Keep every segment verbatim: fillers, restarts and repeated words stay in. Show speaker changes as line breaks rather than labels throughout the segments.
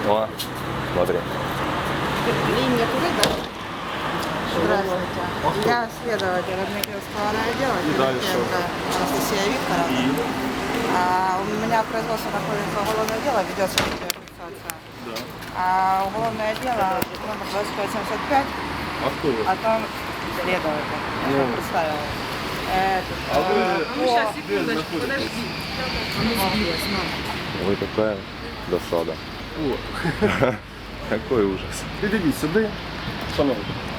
О, смотри.
Линия туда, да? Здравствуйте. Я следователь Дмитриевского райотдела, Филипенко Анастасия Викторовна. А, у меня в производстве находится уголовное дело, ведется фиксация.
Да.
А уголовное дело номер двадцать пять семьдесят пять,
А кто вы?
о том следователь. Я
Ну.
вам представила. Э,
А вы,
э,
ну,
по-
сейчас, секундочку, подожди. Ой, какая досада.
О,
Какой ужас.
підійдіть сюди, шановні.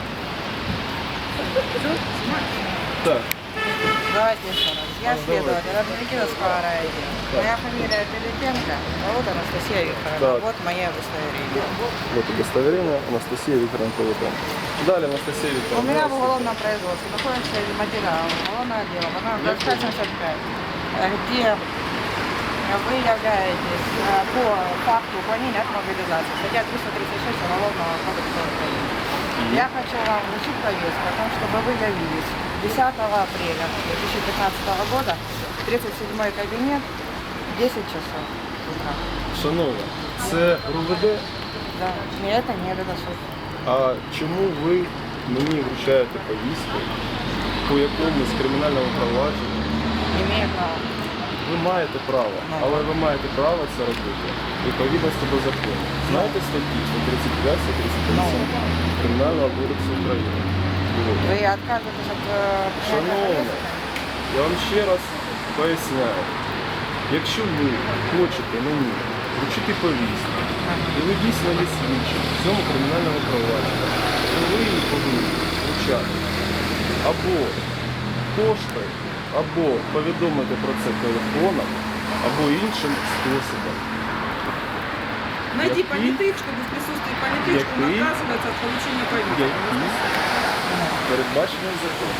Так,
Давайте еще раз. Я следователь Дмитриевского райотдела. Моя фамилия Филипенко, зовут Анастасия Викторовна.
Так.
Вот мое удостоверение.
Вот удостоверение Анастасия Викторовна Павловна. Далее Анастасия
У
Викторовна.
меня в уголовном производстве находится материал уголовного дела, по номеру двадцать пять семьдесят пять, где вы являетесь э, по факту уклонения от мобилизации, статья триста тридцать шесть Уголовного кодекса Украины. Я хочу вам вручить повестку о том, чтобы вы явились десятого апреля две тысячи пятнадцатого года, тридцать седьмой кабинет, десять часов утра.
Шановна, це РУВД?
Да. И это не это суд.
А чому ви мені вручаєте повістку, по якомусь кримінальному провадженню?
Имею право.
Ви маєте право, але ви маєте право це робити відповідності до закону. Знаєте статті сто тридцять п'ять сто тридцять п'ять Кримінального кодексу України?
Вы отказываетесь от э, принятия
Шановна,
повестки?
я вам ще раз поясняю. Якщо ви хочете мені вручити повістку, і ви дійсно є слідчим в цьому кримінальному провадженні, то ви її повинні вручати або поштою, або повідомити про це телефоном, або іншим способом.
Найди
Який?
понятых, чтобы в присутствии понятых, что он
Який?
отказывается от получения повестки.
Які передбачені законом.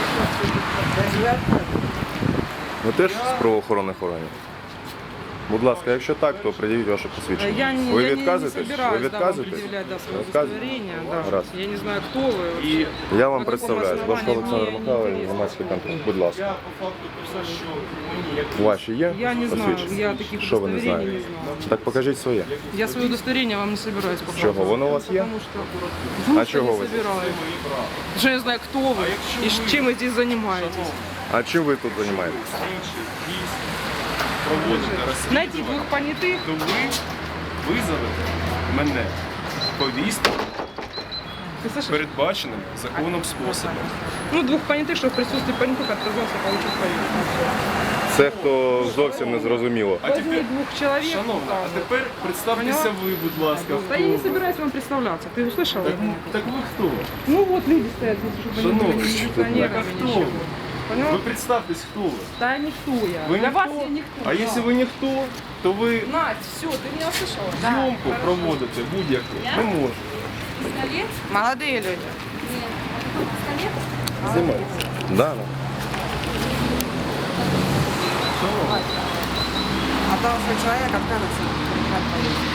Ви теж з правоохоронних органів? Будь ласка, якщо так, то пред'явіть ваше посвідчення.
Я не,
Ви
я не, не
відказуєтесь? Ви
собираюсь да, вам
відказуєтесь?
предъявлять да, свое
Відказуєте?
удостоверение. Да.
Раз.
Я не знаю, кто вы.
І
вообще.
я вам
На
представляюсь,
каком
Башко
основании
Олександр
мне
Михайлович,
интересно.
громадський контроль. Будь ласка.
я по факту писав, що мені як
Ваші є
Я не знаю,
посвідчення?
я таких
Що ви не
удостоверений
знаєте?
не знаю.
Так покажіть своє.
Я свое удостоверение вам не собираюсь показывать.
Чого? Воно у вас є?
Потому что, потому
А
что
чого
не
ви?
собираюсь. Потому что я не знаю, кто вы и с- чем вы здесь занимаетесь.
А чим ви тут займаєтесь?
слідчі дійсно проводите
Найти
розслідування,
двух понятых.
то ви визовете мене повістку
Ты слышишь?
передбаченим законом способом.
Ну, двух понятых, что в присутствии понятых отказался получить повестку.
Це хто зовсім не зрозуміло.
А
Возьми
тепер,
двух человек.
шановна, а
указывай.
тепер представтеся
Поняла?
ви, будь ласка,
Да
хто
я не
ви.
собираюсь вам представляться. Ты услышал?
Так, так ви хто?
Ну вот люди стоят здесь, чтобы они
Шановні,
были не
так
милиционерами,
а хто
ничего.
ви?
Понял?
Ви представтесь, хто ви.
Да никто я.
Ви
Для
ніхто?
вас я никто.
А
да.
якщо ви ніхто, то ви
Надь, все, ты меня услышала?
зйомку проводите будь-яку не можете.
Пистолет?
Молодые люди.
Пистолет?
Знімається. Да, да.
О том, что человек отказывается принимать повестку.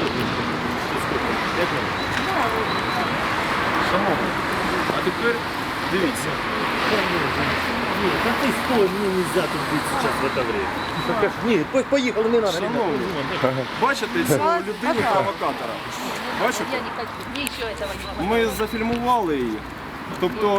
Як ви? Шановні, а тепер дивіться.
Нет, да ты стой, мне нельзя тут быть сейчас в это время. Так, нет, по- поехали, не надо, ребят.
Шановні, бачите цю людину провокатора? Бачите?
Я не хочу, мне еще этого не могу.
Ми зафільмували її. Тобто,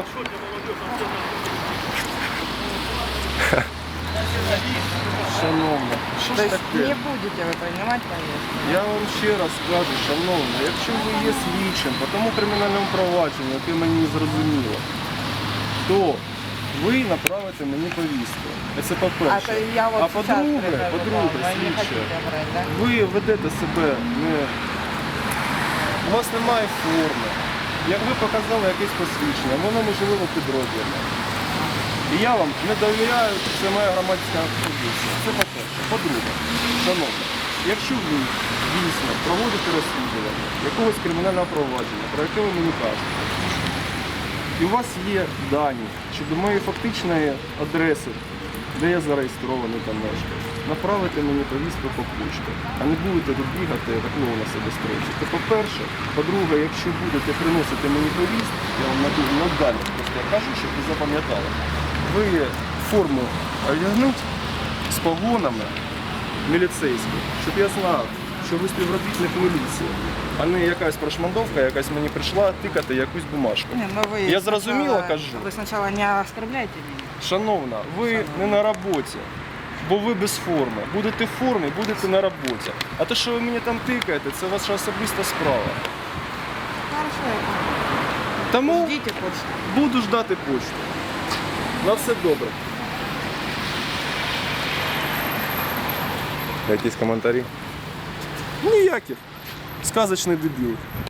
шановна, що
То
ж
есть
таке?
не будете вы принимать повестку.
Я вам ще раз кажу, шановна, якщо ви є слідчим по тому кримінальному провадженню, яке мені не зрозуміло, то ви направите мені повістку. Це
А
по-перше.
то я вот
А
сейчас
по-друге,
прихожу,
по-друге,
вы не
слідче,
хотите брать, да?
ви ведете себе не... У вас немає форми. Як ви показали якесь посвідчення, воно можливо підроблено. І я вам не довіряю, це моя громадська позиція. Це по-перше. По-друге, шановні, якщо ви дійсно проводите розслідування якогось кримінального провадження, про яке ви мені кажете, і у вас є дані щодо моєї фактичної адреси, де я зареєстрований там мешкаю, направити мені повістку по почті, а не будете тут бігати, так на себе строїти. Це по-перше. По-друге, якщо будете приносити мені повістку, я вам наду- надалі просто кажу, щоб ви запам'ятали, ви форму одягнуть з погонами міліцейською, щоб я знав, що ви співробітник міліції, а не якась прошмандовка, якась мені прийшла тикати якусь бумажку.
Не, ну вы
Я зрозуміло
сначала-
кажу.
Вы сначала не оскорбляйте меня.
Шановна, ви не на роботі, бо ви без форми. Будете в формі, будете на роботі. А те, що ви мені там тикаєте, це ваша особиста справа.
Хорошо, я понял.
Тому
Ждите почту.
буду ждати почту. На все добре. Якісь коментарі? Ніяких. Сказочний дебіл.